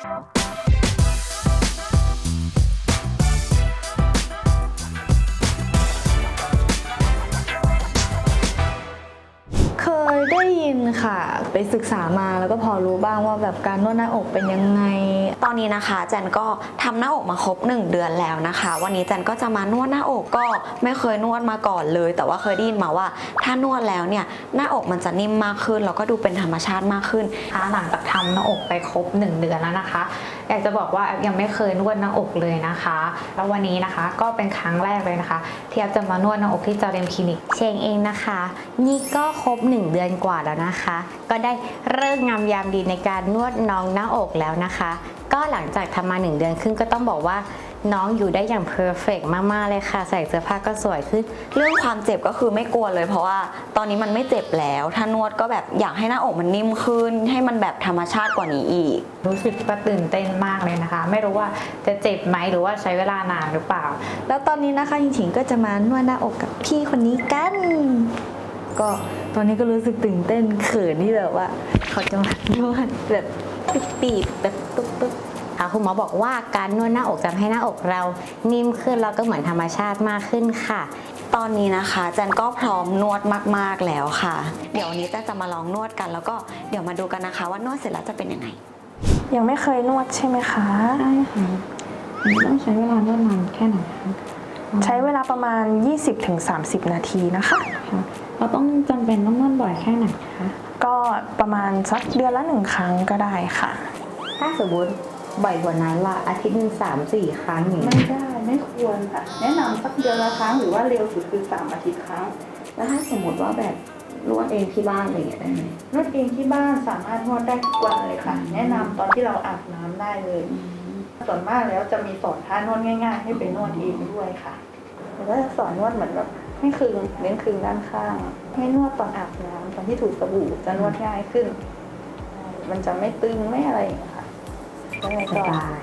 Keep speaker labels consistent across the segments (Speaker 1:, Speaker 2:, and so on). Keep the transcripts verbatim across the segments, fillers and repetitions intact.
Speaker 1: เคยได้ยินค่ะไปศึกษามาแล้วก็พอรู้บ้างว่าแบบการนวดหน้าอกเป็นยังไง
Speaker 2: ตอนนี้นะคะแจนก็ทำหน้าอกมาครบหนึ่งเดือนแล้วนะคะวันนี้แจนก็จะมานวดหน้าอกก็ไม่เคยนวดมาก่อนเลยแต่ว่าเคยได้ยินมาว่าถ้านวดแล้วเนี่ยหน้าอกมันจะนิ่มมากขึ้นแล้วก็ดูเป็นธรรมชาติมากขึ้น
Speaker 3: หลังจากทำหน้าอกไปครบหนึ่งเดือนแล้วนะคะอยากจะบอกว่ายังไม่เคยนวดหน้าอกเลยนะคะแล้ววันนี้นะคะก็เป็นครั้งแรกเลยนะคะที่แอฟจะมานวดหน้าอกที่จอเรมคลินิก
Speaker 4: เชงเองนะคะนี่ก็ครบหนึ่งเดือนกว่าแล้วนะคะก็ได้เลิกงามยามดีในการนวดน้องหน้าอกแล้วนะคะก็หลังจากทำมาหนึ่งเดือนครึ่งก็ต้องบอกว่าน้องอยู่ได้อย่างเพอร์เฟกต์มากๆเลยค่ะใส่เสื้อผ้าก็สวยขึ้น
Speaker 2: เรื่องความเจ็บก็คือไม่กลัวเลยเพราะว่าตอนนี้มันไม่เจ็บแล้วถ้านวดก็แบบอยากให้หน้าอกมันนิ่มขึ้นให้มันแบบธรรมชาติกว่านี้อีก
Speaker 3: รู้สึกว่าตื่นเต้นมากเลยนะคะไม่รู้ว่าจะเจ็บไหมหรือว่าใช้เวลานานหรือเปล่า
Speaker 1: แล้วตอนนี้นะคะหญิงๆก็จะมานวดหน้าอกกับพี่คนนี้กันก็ตอนนี้ก็รู้สึกตื่นเต้นเขินที่แบบว่าเขาจะมานวดแบบปีบๆแบบตุ๊บๆ
Speaker 4: คุณหมอบอกว่าการนวดหน้าอกจะทำให้หน้าอกเรานิ่มขึ้นแล้วก็เหมือนธรรมชาติมากขึ้นค่ะ
Speaker 2: ตอนนี้นะคะแจนก็พร้อมนวดมากๆแล้วค่ะเดี๋ยววันนี้แจนจะมาลองนวดกันแล้วก็เดี๋ยวมาดูกันนะคะว่านวดเสร็จแล้วจะเป็นยังไง
Speaker 1: ยังไม่เคยนวดใช่ไหมคะ
Speaker 5: ใช่ค่ะต้องใช้เวลานวดนานแค่ไหนคะ
Speaker 1: ใช้เวลาประมาณ ยี่สิบถึงสามสิบ นาทีนะคะ
Speaker 5: เราต้องจำเป็นต้องนวดบ่อยแค่ไหนคะ
Speaker 1: ก็ประมาณสักเดือนละหนึ่งครั้งก็ได้ค่ะ
Speaker 4: ถ้าสมมติบ่อยกว่านั้นล่ะอาทิตย์หนึ่งสามสี่ครั้งอย่าง
Speaker 6: ไม่ได้ไม่ควรค่ะแนะนำสักเดือนละครั้งหรือว่าเร็วสุดคือสามอาทิตย์ครั้ง
Speaker 2: แล้วถ้าสมมติว่าแบบนวดเองที่บ้านอะไรอย่างเงี้ยได้ไหม
Speaker 6: นวดเองที่บ้านสามารถนวดได้ทุกวันเลยค่ะแนะนำตอนที่เราอาบน้ำได้เลยส่วนมากแล้วจะมีสอนท่านวดง่ายๆให้ไปนวดเองด้วยค่ะแล้วก็จะสอนนวดเหมือนแบบให้คึงเน้นคึงด้านข้างให้นวดตอนอาบน้ำตอนที่ถูสบู่จะนวดง่ายขึ้นมันจะไม่ตึงไม่อะไรอย่างเงี้ยค่ะ
Speaker 4: สบาย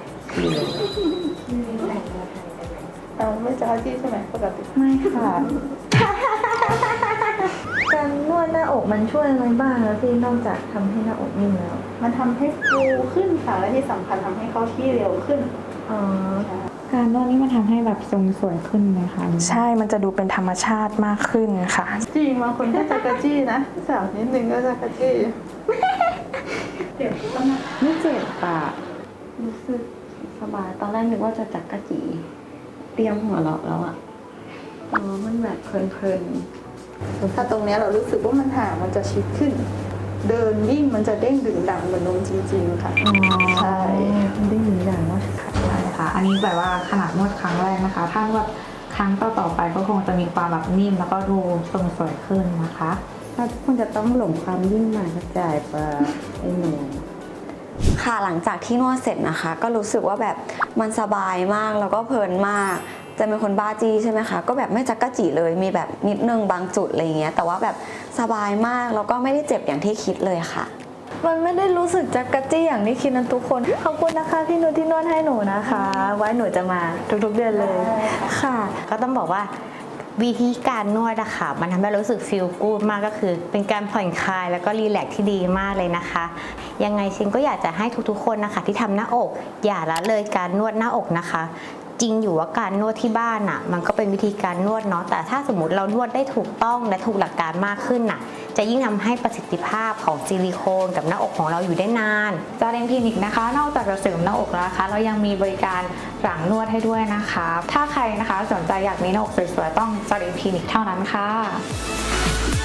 Speaker 6: เราไม่จะที่ใช่ไหมปกติ
Speaker 1: ไม่ค่ะการนวดหน้าอกมันช่วยอะไรบ้างแล้วพี่นอกจากทำให้หน้าอกนิ่มแล้ว
Speaker 6: มันทำให้ฟูขึ้นค่ะและที่สำคัญทำให้เข้าที่เร็วขึ้น
Speaker 1: อ๋อ
Speaker 5: การนวดนี่มันทำให้แบบทรงสวยขึ้นไหมคะ
Speaker 1: ใช่มันจะดูเป็นธรรมชาติมากขึ้นค่ะ
Speaker 6: จริงบางคนก็จะกระจี้นะสาวนิดนึงก็จะกระจี้เจ็บก็นะ
Speaker 2: ไม่เจ็บปะรู้สึกสบายตอนแรกนึกว่าจะจักกะจีเตรียมหัวเราะแล้วอะอ๋อมันแบบเพลิน
Speaker 6: ๆถ้าตรงนี้เรารู้สึกว่ามันห่างมันจะชิดขึ้นเดินวิ่งมันจะเด้งดึงดังเหมือนนมจริงๆค่ะใช่
Speaker 1: เด้งดึงดังว่าค่ะ
Speaker 3: ใช่ค่ะอันนี้แบบว่าขนาดนวดครั้งแรกนะคะถ้านวดครั้งต่อๆไปก็คงจะมีความแบบนิ่มแล้วก็ดูทรงสวยขึ้นนะคะ
Speaker 5: ถ้าคุณจะต้องหลงความยิ่งมากระจายไปไอ้หนู
Speaker 2: ค่ะหลังจากที่นวดเสร็จนะคะก็รู้สึกว่าแบบมันสบายมากแล้วก็เพลินมากจะเป็นคนบ้าจี้ใช่ไหมคะก็แบบไม่จักกะจีเลยมีแบบนิดนึงบางจุดอะไรเงี้ยแต่ว่าแบบสบายมากแล้วก็ไม่ได้เจ็บอย่างที่คิดเลยค่ะ
Speaker 1: มันไม่ได้รู้สึกจักกะจี้อย่างที่คิดนะทุกคนขอบคุณนะคะพี่นุชที่นวดให้หนูนะคะไว้หนูจะมาทุกๆเดือนเลย
Speaker 4: ค่ะก็ต้องบอกว่าวิธีการนวดอะค่ะมันทำให้รู้สึกฟีลกู๊ดมากก็คือเป็นการผ่อนคลายแล้วก็รีแลกซ์ที่ดีมากเลยนะคะยังไงชิงก็อยากจะให้ทุกๆคนนะคะที่ทำหน้าอกอย่าละเลยการนวดหน้าอกนะคะจริงอยู่ว่าการนวดที่บ้านน่ะมันก็เป็นวิธีการนวดเนาะแต่ถ้าสมมติเรานวดได้ถูกต้องและถูกหลักการมากขึ้นน่ะจะยิ่งทำให้ประสิทธิภาพของซิลิโคนกับหน้าอกของเราอยู่ได้นาน
Speaker 3: จาเรมคลินิกนะคะนอกจากจะเสริมหน้าอกแล้วนะคะเรายังมีบริการหลังนวดให้ด้วยนะคะถ้าใครนะคะสนใจอยากมีหน้าอกสวยๆต้องจาเรมคลินิกเท่านั้นค่ะ